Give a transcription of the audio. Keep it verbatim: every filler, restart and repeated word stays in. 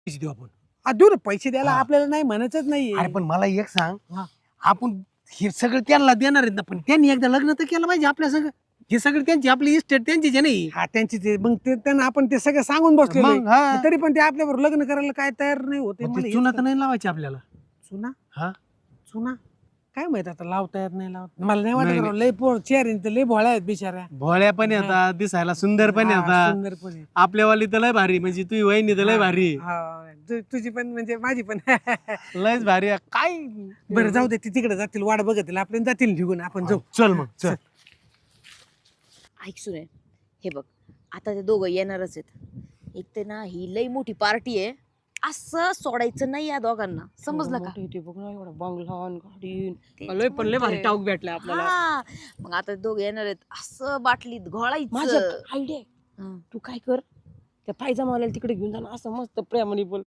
पैसे देऊ आपण. आ, देऊ ना पैसे द्यायला हा. आपल्याला नाही म्हणायचंच नाही. अरे पण मला एक सांग, हा. आपण हे सगळं त्यांना देणार आहेत ना, पण त्यांनी एकदा लग्न तर केलं पाहिजे आपल्या सगळं. हे सगळं त्यांची, आपली इस्टेट त्यांचीच आहे नाही. हा त्यांची ते मग ते त्यांना आपण ते सगळं सांगून बसलो मग हा. तरी पण ते आपल्याबरोबर लग्न करायला काय तयार नाही होते. मग मला ते हेच चुना तर कळत- नाही लावायची आपल्याला. चुना हा चुना काय माहित आता लावता येत नाही लावत मला नाही वाटत नाही, राव, लय पोर चेहरे तर लय भोळ्या आहेत बिचाऱ्या. भोळ्या पण येतात, दिसायला सुंदर पण हा, येतात. सुंदर पण आहे. आपल्यावाली तर लय भारी, म्हणजे तुझी वहिनी तर लय भारी. हा, तु- तुझी पण म्हणजे माझी पण. लयच भारी आहे. काय बरं जाऊ दे, ती तिकडे जातील वाट बघतील आपण जातील निघून आपण जाऊ. चल मग चल. ऐक सुने, हे बघ आता ते दोघं येणारच आहेत. एक तर ना ही लई मोठी पार्टी आहे, असं सोडायचं नाही या दोघांना, समजलं का? इथे बघ ना एवढा बंगला आणि गाडी. तेच लय पण लय भारी म्हणते. टाऊक भेटलाय आपल्याला. हा, मग आता ते दोघं येणार आहेत, असं बाटलीत माझ्या घोळायचं. आयडिया, हं. तू काय कर, त्या पायजामावाल्याला तिकडे घेऊन जा ना, असं मस्त प्रेमाने बोल,